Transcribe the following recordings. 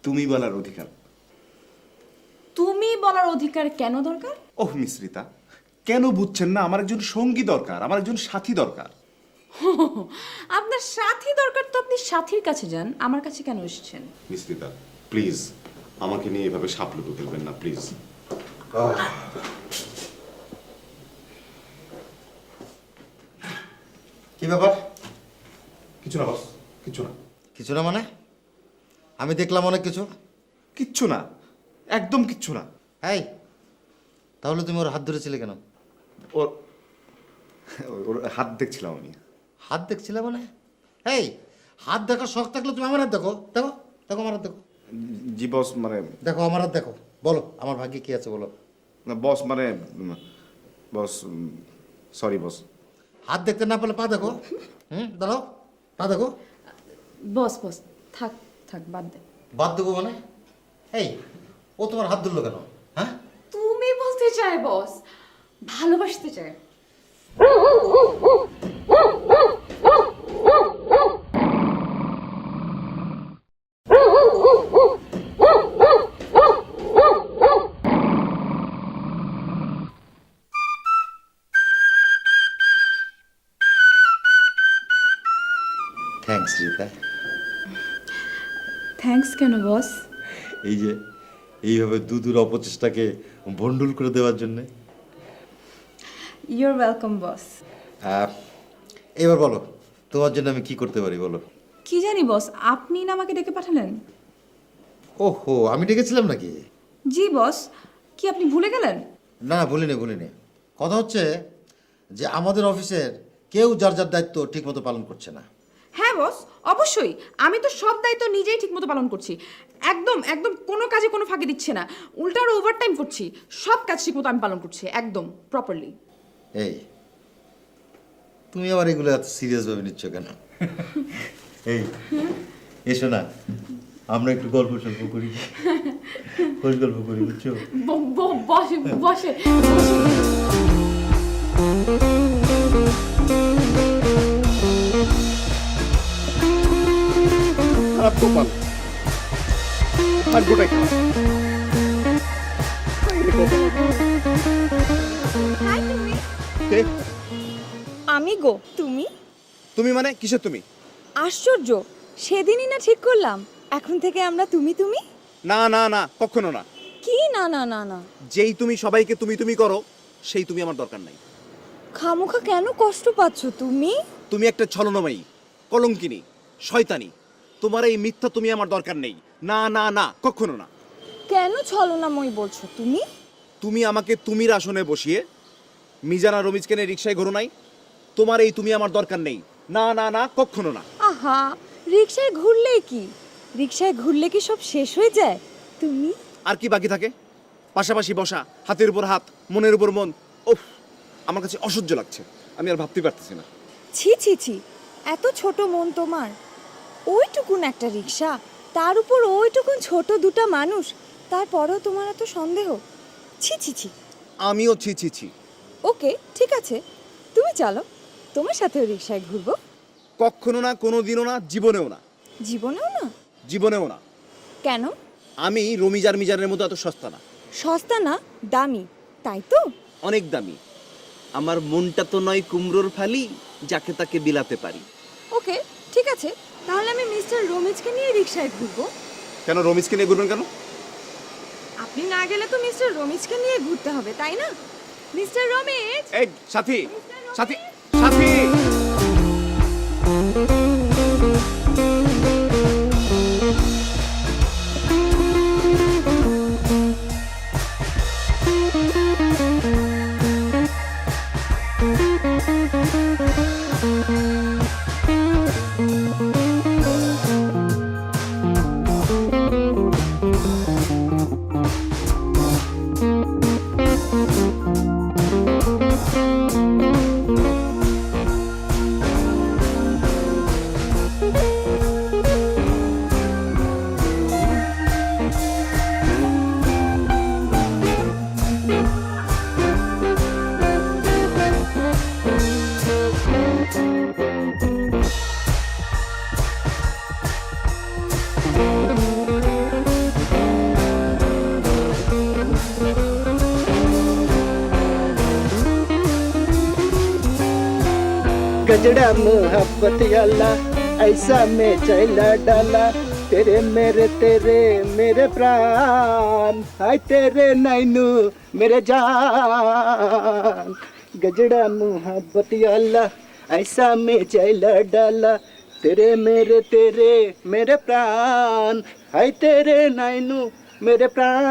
তুমি বলার অধিকার। তুমি বলার অধিকার কেন দরকার? ওহ মিশ্রিতা, কেন বুঝছেন না? আমার একজন সঙ্গী দরকার, আমার একজন সাথী দরকার। আপনার সাথী দরকার তো আপনি সাথীর কাছে যান, আমার কাছে কেন এসেছেন? মিশ্রিতা প্লিজ, আমাকে নিয়ে এভাবে সাপলুটো খেলবেন না প্লিজ। কি ব্যাপার? কিছু না বস, কিছু না। কিছু না মানে? আমি দেখলাম অনেক কিছু। কিচ্ছু না, একদম কিচ্ছু না। এই, তাহলে তুমি ওর হাত ধরেছিলে কেন? ওর ওর হাত দেখছিলাম আমি। হাত দেখছিলে মানে? এই, হাত দেখার শখ থাকলে তুমি আমার হাত দেখো। দেখো, দেখো আমার হাত দেখো। জি বস, মানে দেখো আমার হাত দেখো। বলো আমার ভাগ্যে কি আছে বলো। বস মানে বস, সরি বস। হাত দেখতে না পেলে পা দেখো। দাঁড়াও, পা দেখো। বস বস, থাক থাক, বাদ দে। বাদ দেবো মানে? এই, ও তোমার হাত ধরলো কেন? হ্যাঁ, তুমি বলতে চাই বস, ভালোবাসতে চাই। থ্যাঙ্কস রিতা। থ্যাঙ্কস কেন বস? এই যে এইভাবে দুদূর অপচেষ্টাকে ভন্ডুল করে দেওয়ার জন্যে। You're welcome boss. এবার বলো, তোমার জন্য আমি কি করতে পারি বলো। কি জানি বস, আপনি না আমাকে ডেকে পাঠালেন? ওহো, আমি ডেকেছিলাম নাকি? জি বস, কি আপনি ভুলে গেলেন? না না, ভুলিনি ভুলিনি। কথা হচ্ছে যে আমাদের অফিসের কেউ যার যার দায়িত্ব ঠিকমতো পালন করছে না। হ্যাঁ বস, অবশ্যই। আমি তো সব দায়িত্ব নিজেই ঠিকমতো পালন করছি। একদম একদম কোনো কাজে কোনো ফাঁকি দিচ্ছে না, উল্টা আরো ওভারটাইম করছি। সব কাজ ঠিকমতো আমি পালন করছি, একদম প্রপারলি। এই, তুমি আবার এগুলো এত সিরিয়াস ভাবে নিচ্ছ কেন? এই, এসো না, আমরা একটু গল্প সল্প করি, খোঁজ গল্প করি, বুঝছো? বসে বসে। খারাপ কপাল, ভাগ্যটাই খারাপ। হাই তুমি। কে? আমি গো। তুমি? তুমি মানে কিসের তুমি? আশ্চর্য, সেদিনই না ঠিক করলাম এখন থেকে আমরা তুমি তুমি। না না না, কখনো না। কি না না না না? যেই তুমি সবাইকে তুমি তুমি করো, সেই তুমি আমার দরকার নাই। খামোখা কেন কষ্ট পাচ্ছ তুমি? তুমি একটা ছলনাময়ী, কলঙ্কিনী, শয়তানি। তোমার এই মিথ্যা তুমি আমার দরকার নেই। না না না, কখনো না। কেন ছলনাময় বলছো তুমি? তুমি আমাকে তুমির আসনে বসিয়ে মিজান আর রমিজকে নিয়ে রিক্সায় ঘোরো নাই? তোমার এই তুমি আমার দরকার নেই। না না না, কখনো না। আহা, রিকশায় ঘুরলেই কি? রিকশায় ঘুরলে কি সব শেষ হয়ে যায়? তুমি আর কি বাকি থাকে? পাশাপাশি বসা, হাতের উপর হাত, মনের উপর মন। ওফ, আমার কাছে অসহ্য লাগছে। আমি আর ভাবতে পারতেছি না। ছি ছি ছি, এত ছোট মন তোমার। ওইটুকুন একটা রিকশা, তার উপর ওইটুকুন ছোট দুটা মানুষ, তারপরেও তোমার এত সন্দেহ? ছি ছি ছি। আমিও ছি ছি ছি। ওকে, ঠিক আছে, তুমি চলো, তোমার সাথেও রিকশায় ঘুরবো। কখনো না, কোনো দিনও না, জীবনেও না। জীবনেও না? জীবনেও না। কেন? আমি রমিজ আর মিজানের মতো এত সস্তা না। সস্তা না, দামি, তাই তো? অনেক দামি। আমার মনটা তো নয় কুমড়োর ফালি, যাকে তাকে বিলাতে পারি। ওকে, ঠিক আছে, তাহলে আমি মিস্টার রমিজকে নিয়ে রিকশায় ঘুরবো। কেন রমিজকে নিয়ে ঘুরবেন কেন? আপনি না গেলে তো মিস্টার রমিজকে নিয়ে ঘুরতে হবে, তাই না? মিস্টার রমিজ। এই সাথী, সাথী, সাথী। गजड़ा मोहब्बत अल्लाह ऐसा में चला डाला तेरे मेरे प्राण हाय तेरे नैनू मेरे जान गजड़ा मोहब्बत अल्लाह ऐसा में चला डाला तेरे मेरे प्राण हाय तेरे नैनू मेरे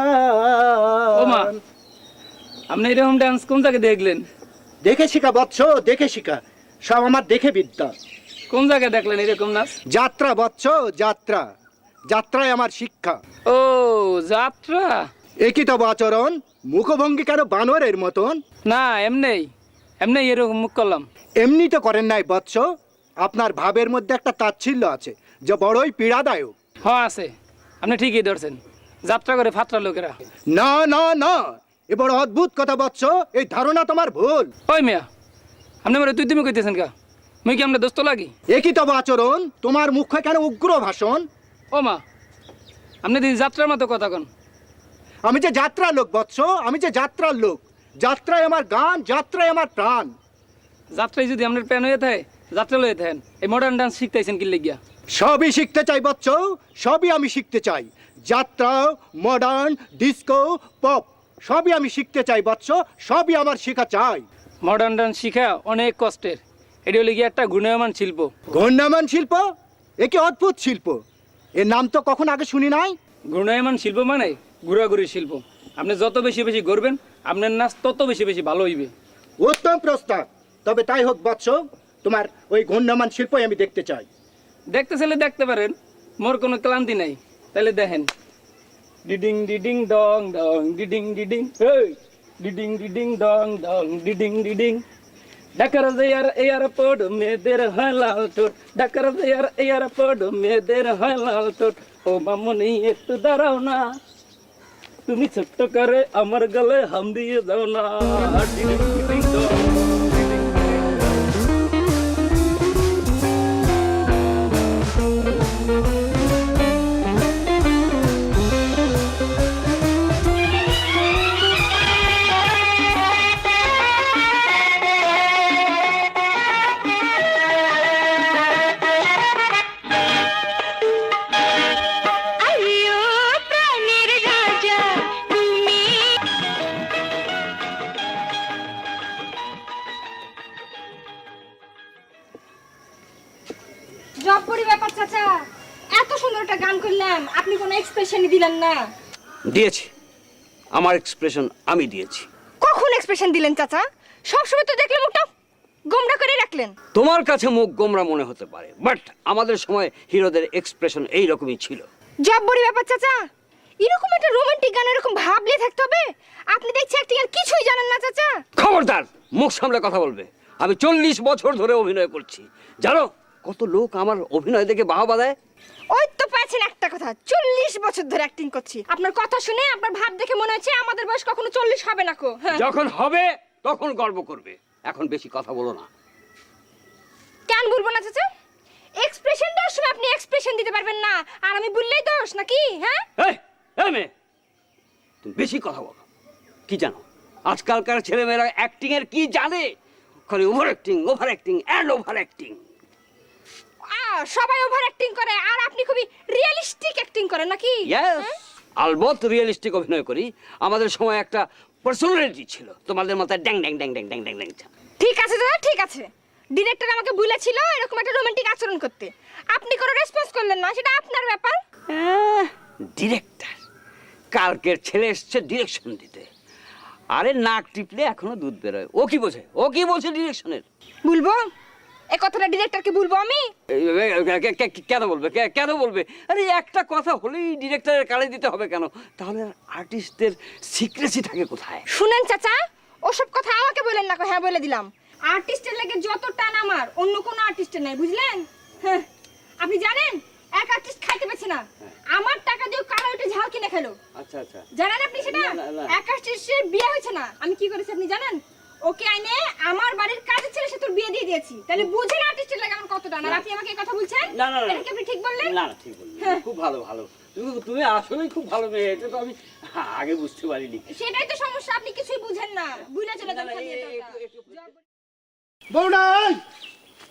ওমা प्राण আপনি এরকম ডান্স কোন জায়গায় দেখলেন? দেখে শিখা বৎস দেখে শিখা সব আমার দেখে বিদ্যা কোন জায়গায় দেখলেন এরকম নাচ? যাত্রা বৎস যাত্রা যাত্রায় আমার শিক্ষা ও যাত্রা। একই তব আচরণ মুখভঙ্গি কেন বানরের মতন না এমনি এরকম মুখ করলাম। এমনি তো করেন নাই বৎস আপনার ভাবের মধ্যে একটা তাচ্ছিল্য আছে যা বড়ই পীড়াদায়ক হ্যাঁ আছে, আপনি ঠিকই ধরছেন। যাত্রা করে ফাত্রা লোকেরা। না না না এ বড় অদ্ভুত কথা বৎস এই ধারণা তোমার ভুল ওই মিয়া আপনি আমার তুই তুমি কইতেছেন কা? মুই কি আমরা দোস্ত লাগি? একই তব আচরণ তোমার মুখে কেন উগ্র ভাষণ ও মা আপনি দিন যাত্রার মতো কথা কন। আমি যে যাত্রার লোক বৎস আমি যে যাত্রার লোক যাত্রায় আমার গান যাত্রায় আমার প্রাণ যাত্রায় যদি আপনার প্যান হয়ে থাকে যাত্রা লয়ে থাকেন এই মডার্ন ডান্স শিখতেছেন কি লেগিয়া? সবই শিখতে চাই বৎস সবই আমি শিখতে চাই যাত্রা মডার্ন ডিস্কো পপ সবই আমি শিখতে চাই বৎস সবই আমার শেখা চাই মডার্ন ডান্স শিখা অনেক কষ্টের। এটি হলে গিয়ে একটা গুণমান শিল্প। ঘূর্ণায়মান শিল্প এ কি অদ্ভুত শিল্প এর নাম তো কখন আগে শুনি নাই ঘূর্ণায়মান শিল্প মানে ঘোরাঘুরি শিল্প। আপনি যত বেশি বেশি ঘুরবেন আপনার নাচ তত বেশি বেশি ভালো হইবে। উত্তম প্রস্তাব তবে তাই হোক বৎস তোমার ওই ঘূর্ণায়মান শিল্প আমি দেখতে চাই দেখতে চাইলে দেখতে পারেন, মোর কোনো ক্লান্তি নাই। তাহলে দেখেন ডিডিং ডিডিং ডং ডং ডিডিং ডিডিং এই ডিডিং ডিডিং ডং ডং ডিডিং ডিডিং ডাকার দেয়ার এয়ারপোর্ট মেয়েদের হয় লাল ঠোঁট ডাকার দেয়ার এয়ারপোর্ট মেয়েদের হয় লাল ঠোঁট ও মামনি একটু দাঁড়াও না তুমি ছোট্ট করে আমার গলে হাম দিয়ে দাও না ডিডিং ডিডিং ডং জব্বরি ব্যাপার চাচা এত সুন্দর একটা গান করলাম আপনি কোনো এক্সপ্রেশনই দিলেন না দিয়েছি, আমার এক্সপ্রেশন আমি দিয়েছি। কখন এক্সপ্রেশন দিলেন চাচা সবসময় তো দেখলে মুখটা গোমড়া করে রাখলেন তোমার কাছে মুখ গোমরা মনে হতে পারে, বাট আমাদের সময় হিরোদের এক্সপ্রেশন এই রকমই ছিল। জব্বরি ব্যাপার চাচা এরকম একটা রোমান্টিক গান এরকম ভাবলে থাকতে হবে আপনি দেখছি অ্যাক্টিং এর কিছুই জানেন না চাচা খবরদার, মুখ সামলে কথা বলবে। আমি 40 বছর ধরে অভিনয় করছি, জানো কত লোক আমার অভিনয় দেখে বাহবা দেয়। ওই তো পাচ্ছেন একটা কথা 40 বছর ধরে অ্যাক্টিং করছি আপনার কথা শুনে আপনার ভাব দেখে মনে হচ্ছে আমাদের বয়স কখনো 40 হবে না কো হ্যাঁ। যখন হবে তখন গর্ব করবে, এখন বেশি কথা বলো না। কেন বলবো না চাচা এক্সপ্রেশন দেওয়ার সময় আপনি এক্সপ্রেশন দিতে পারবেন না আর আমি বললেই দোষ নাকি হ্যাঁ এই এই মেয়ে, তুমি বেশি কথা বলো। কি জানো আজকালকার ছেলেমেয়েরা অ্যাক্টিং এর কি জানে? খালি over acting and over acting. সবাই ওভার অ্যাক্টিং করে আর আপনি খুবই রিয়েলিস্টিক অ্যাক্টিং করেন নাকি ইয়েস, আলবত রিয়েলিস্টিক অভিনয় করি। আমাদের সময় একটা পার্সোনালিটি ছিল, তোমাদের মতো ড্যাং ড্যাং ড্যাং ড্যাং ড্যাং ড্যাং ড্যাং। ঠিক আছে দাদা ঠিক আছে ডিরেক্টর আমাকে বলেছিল এরকম একটা রোমান্টিক আচরণ করতে আপনি কোনো রেসপন্স করলেন না সেটা আপনার ব্যাপার ডিরেক্টর কালকের ছেলে এসছে ডিরেকশন দিতে। আরে নাক টিপলে এখনো দুধ বেরোয়। ও কি বোঝে ডিরেকশনের? বলবো এই কথাটা ডিরেক্টরকে বলবো আমি কেন বলবে? আরে একটা কথা হলেই ডিরেক্টরের কানে দিতে হবে কেন? তাহলে আর্টিস্টদের সিক্রেসি থাকে কোথায়? শুনেন চাচা ওসব কথা আমাকে বলেন না হ্যাঁ বলে দিলাম আর্টিস্টের লাগে যত টান আমার অন্য কোনো আর্টিস্টের নাই বুঝলেন হ্যাঁ আপনি জানেন এক আর্টিস্ট খাইতে পারছে না আমার টাকা দিয়ে কারা ওটা ঝাল কিনে খেলো আচ্ছা আচ্ছা, জানেন আপনি সেটা না। এক আর্টিস্টের বিয়ে হয়েছে না আমি কি করেছি আপনি জানেন ওকে আইনে আমার বাড়ির কাজের ছেলে সাথে বিয়ে দিয়ে দিয়েছি তাহলে বুঝেন আর্টিস্টের লাগে আমার কত টান আর আপনি আমাকে এই কথা বলছেন না এটা কি আপনি ঠিক বললেন না ঠিক বললেন, খুব ভালো তুমি আসলেই খুব ভালো মেয়ে, এটা তো আমি আগে বুঝতে পারিনি। সেটাই তো সমস্যা আপনি কিছুই বুঝেন না বুঝলে চলে যান খালি এটা বৌনাই